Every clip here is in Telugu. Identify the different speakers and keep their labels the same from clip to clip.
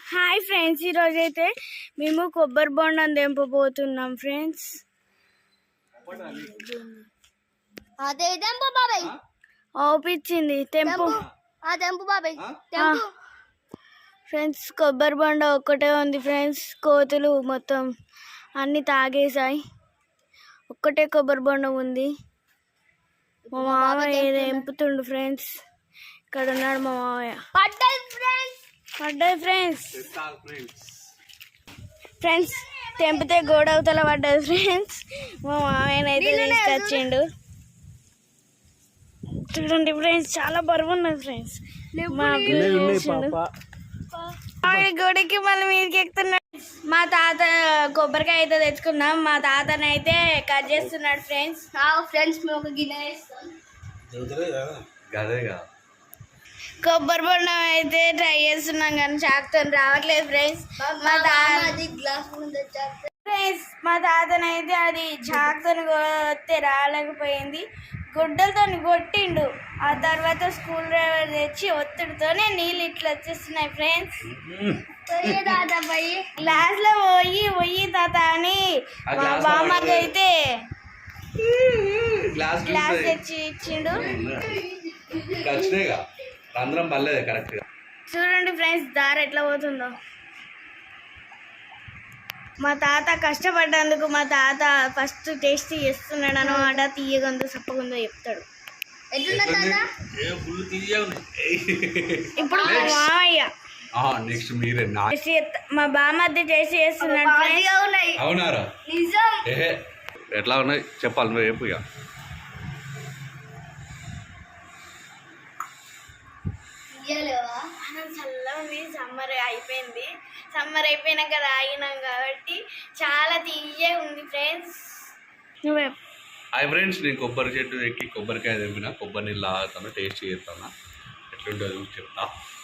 Speaker 1: హాయ్ ఫ్రెండ్స్, ఈరోజైతే మేము కొబ్బరి బొండం తెంపబోతున్నాం ఫ్రెండ్స్. ఓపించింది తెంపు బాబాయ్ ఫ్రెండ్స్. కొబ్బరి బొండ ఒక్కటే ఉంది ఫ్రెండ్స్. కోతులు మొత్తం అన్ని తాగేసాయి. ఒక్కటే కొబ్బరి బొండం ఉంది. మా మామయ్య తెంపుతుండు ఫ్రెండ్స్. ఇక్కడ ఉన్నాడు మా మామయ్య. పడ్డాయి ఫ్రెండ్స్. తెంపితే గోడ అవతల పడ్డది ఫ్రెండ్స్. మా మామయ్యనైతే తీసుకొచ్చిండు. చూడండి ఫ్రెండ్స్, చాలా బరువు ఉన్నది ఫ్రెండ్స్. గోడకి మళ్ళీ మీదకి ఎక్కుతున్నాడు. మా తాత కొబ్బరికాయ అయితే తెచ్చుకున్నాం. మా తాతనైతే కట్ చేస్తున్నాడు ఫ్రెండ్స్. ఫ్రెండ్స్ మేము ఒక గిన్నె వేస్తాం. కొబ్బరి బొండం అయితే ట్రై చేస్తున్నాం కానీ చాకుతో రావట్లేదు ఫ్రెండ్స్. మా తాతనైతే అది చాకుతో కొడితే రాలేకపోయింది. గుడ్డలతో కొట్టిండు. ఆ తర్వాత స్కూల్ డ్రైవర్ తెచ్చి ఒత్తిడితోనే నీళ్ళు ఇట్లా వచ్చేస్తున్నాయి ఫ్రెండ్స్. క్లాస్ లో పోయి తాత అని మా బామ్మకి అయితే గ్లాస్ తెచ్చి ఇచ్చిండు. చూడండి ఫ్రెండ్స్, దారి ఎట్లా పోతుందో. మా తాత కష్టపడ్డందుకు మా తాత ఫస్ట్ టేస్ట్ చేస్తున్నాడు అన్నమాట. తీయగుందో సప్పగుందో చెప్తాడు. ఇప్పుడు మా మామయ్య మా బామ్మద్ది టేస్ట్ చేస్తున్నాడు.
Speaker 2: ఎట్లా ఉన్నాయి చెప్పాలి నువ్వు చెప్పు.
Speaker 1: చల్లగా సమ్మర్ అయిపోయింది. సమ్మర్ అయిపోయినాక తాగినాం కాబట్టి చాలా తీయగా ఉంది ఫ్రెండ్స్.
Speaker 2: హాయ్ ఫ్రెండ్స్, నేను కొబ్బరి చెట్టు ఎక్కి కొబ్బరికాయ తెంపిన. కొబ్బరి నీళ్ళు తాగుతాను, టేస్ట్ చేస్తాను. ఎట్లుంటుందో చెప్తా.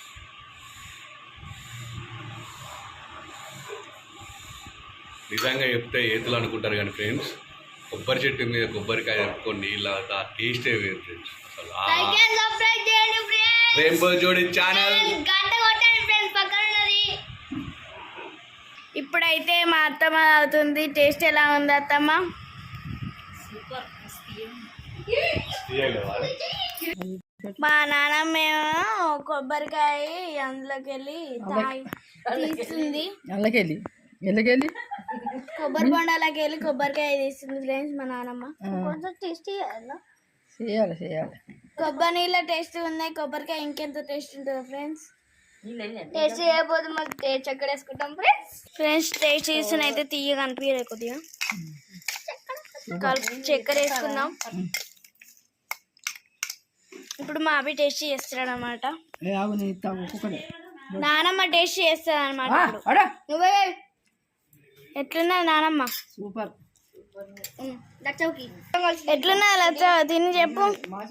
Speaker 2: నిజంగా చెప్తే ఏతులు అనుకుంటారు కానీ ఫ్రెండ్స్, కొబ్బరి చెట్టు మీద కొబ్బరికాయ తెంపుకొని నీళ్ళు తాగుతా టేస్టే వేరు ఫ్రెండ్స్. అసలు రెయిన్బో జోడి ఛానల్
Speaker 1: ఇప్పుడైతే మా అత్తమ్మ అవుతుంది. టేస్ట్ ఎలా ఉంది అత్తమ్మ? మా నాన్నమ్మేమో కొబ్బరికాయ అందులోకి వెళ్ళి తీస్తుంది. కొబ్బరి బొండాలకి వెళ్ళి కొబ్బరికాయ తీస్తుంది ఫ్రెండ్స్ మా నాన్నమ్మ. కొంచెం టేస్ట్ చేయాలి. కొబ్బరి నీళ్ళ టేస్ట్ ఉన్నాయి. కొబ్బరికాయ ఇంకెంత టేస్ట్ ఉంటుందో ఫ్రెండ్స్. టేస్ట్ చేయకపోతే మాకు చక్కెర వేసుకుంటాం ఫ్రెండ్స్. టేస్ట్ చేసిన అయితే తీయగా అనిపించలేదు. కొద్దిగా చక్కెర వేసుకుందాం. ఇప్పుడు మా అవి టేస్ట్ చేస్తాడు అనమాట. నానమ్మ టేస్ట్ చేస్తుంది అనమాట. నువ్వే ఎట్లున్నది నానమ్మ? సూపర్. ఎట్లున్నా లచ్చ తిని చెప్పు.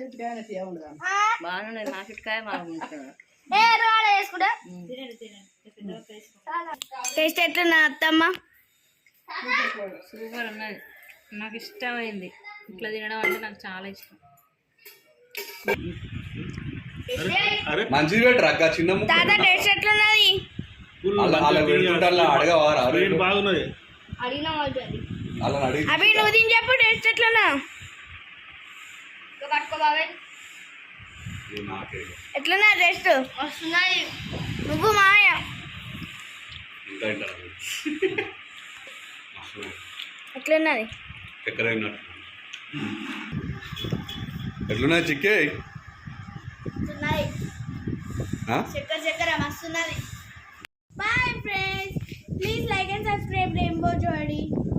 Speaker 1: టేస్ట్ ఎట్లున్నా అత్తమ్మ?
Speaker 3: సూపర్ ఉన్నది. నాకు ఇష్టమైంది. ఇట్లా తినడం అంటే నాకు చాలా ఇష్టం.
Speaker 2: మంచిది పెట్టరా చిన్న
Speaker 1: తాత టేస్ట్ ఎట్లున్నది?
Speaker 2: బాగున్నది.
Speaker 1: అవి నువ్వు తిని చెప్పు టేస్ట్ ఎట్లున్నా? ఎట్లున్నా టేస్ట్? వస్తున్నాయి. నువ్వు మాయ ఎట్లున్నది?
Speaker 2: ఎట్లున్నది చిక్కే?
Speaker 1: చక్కెర మస్తున్నది. Bye friends, please like and subscribe rainbow జోడి.